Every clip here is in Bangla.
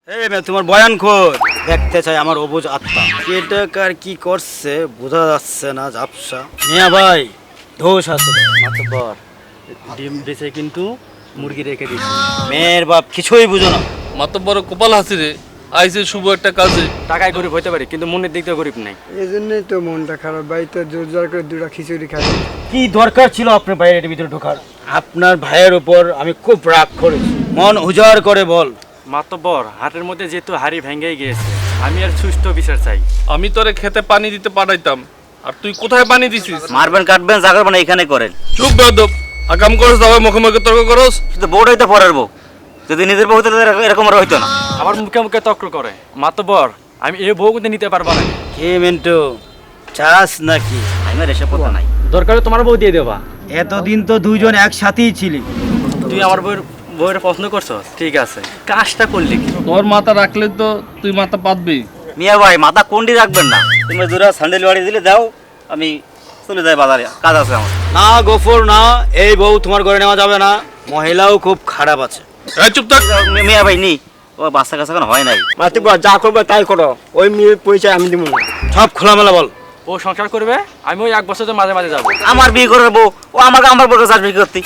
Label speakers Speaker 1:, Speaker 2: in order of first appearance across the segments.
Speaker 1: এই মেয়ে তোমার বয়ান খোর দেখতে চাই আমার অবুঝ আত্মা কেটাকার কি করছে বোঝা যাচ্ছে না ঝাপসা মিয়া ভাই দোষ আছে
Speaker 2: মাতব্বর ডিম বেচে কিন্তু মুরগি রেখে দিচ্ছি।
Speaker 1: মেয়ের বাপ কিছুই বুঝো না
Speaker 3: মাতব্বর কপাল হাসিরে আইছে শুভ একটা কাজে।
Speaker 2: টাকায় গরিব হতে পারি কিন্তু মনের দিক দিয়ে গরিব নাই।
Speaker 4: এই জন্যই তো মনটা খারাপ, বাড়িতে জোর জোর করে দুটা খিচুড়ি খাই।
Speaker 1: কি দরকার ছিল আপনার ভাইয়ের ভিতরে ঢোকার আপনার ভাইয়ের উপর আমি খুব রাগ করেছি মন উজাড় করে বল
Speaker 2: মাতব্বর হাটের মধ্যে যেহেতু হাড়ি ভেঙেই গিয়েছে, আমি আর সুষ্ঠু বিচার চাই।
Speaker 3: আমি তোরে খেতে পানি দিতে পাঠাইতাম, আর তুই কোথায় পানি দিছিস?
Speaker 5: মারবেন কাটবেন যা করবেন এখানে করেন।
Speaker 3: চুপ বেদব, আকাম করস দাও মুখে মুখে তর্ক করস।
Speaker 5: কিন্তু বউটাই তো পরের বউ, যদি নিজের বউ হতো তাহলে এরকম আর হইতো না।
Speaker 2: আবার মুখে মুখে তর্ক করে। মাতব্বর আমি এই বউ কিন্তু নিতে পারবো না।
Speaker 1: কে মিন্টু চাস নাকি
Speaker 5: আমি আর এসব কথা নাই।
Speaker 2: দরকার তোমার বউ দিয়ে দেবা।
Speaker 1: এতদিন তো দুইজন একসাথেই ছিলি
Speaker 2: তুই আমার বউয়ের পছন্দ করছো, ঠিক আছে, কাজটা করলি কি?
Speaker 3: তোর মাথা রাখলে তো তুই মাথা পাতবি।
Speaker 5: মিয়া ভাই মাথা কোনটি রাখবেন না, তুমি দুরা স্যান্ডেল বাড়ি দিলে দাও, আমি চলে যাই বাজারে, কাজ আছে আমার।
Speaker 1: না গফর না, এই বউ তোমার ঘরে নেওয়া যাবে না, মহিলাও খুব খারাপ আছে।
Speaker 3: এই চুপ থাক।
Speaker 5: মিয়া ভাই নি, ও বাচ্চা কাছে এখন হয় নাই।
Speaker 4: মাতৃ যা করবে তাই করো, ওই মেয়ের পরিচয় আমি দিব না।
Speaker 1: সব খোলামেলা বল।
Speaker 2: ও সংসার করবে, আমি ওই 1 বছর মাঝে মাঝে যাবো।
Speaker 5: আমার বিয়ে করে বউ, ও আমার বউকে চাষ বিক্রি করতে।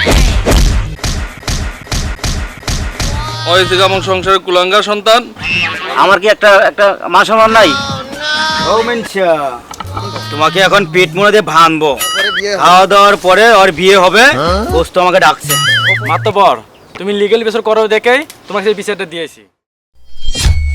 Speaker 3: ওই থেকে আমার সংসারের কুলাঙ্গার সন্তান।
Speaker 5: আমার কি একটা মান সম্মান নাই?
Speaker 1: ও মেনছা তোমাকে এখন পেট মুড়ে দিয়ে ভাঙবো, খাওয়া দাওয়ার পরে ওর বিয়ে হবে, দোস্ত আমাকে ডাকছে।
Speaker 2: মাতব্বর তুমি লিগ্যাল বিচার করো দেখেই তোমাকে সেই বিচারটা দিয়েছি।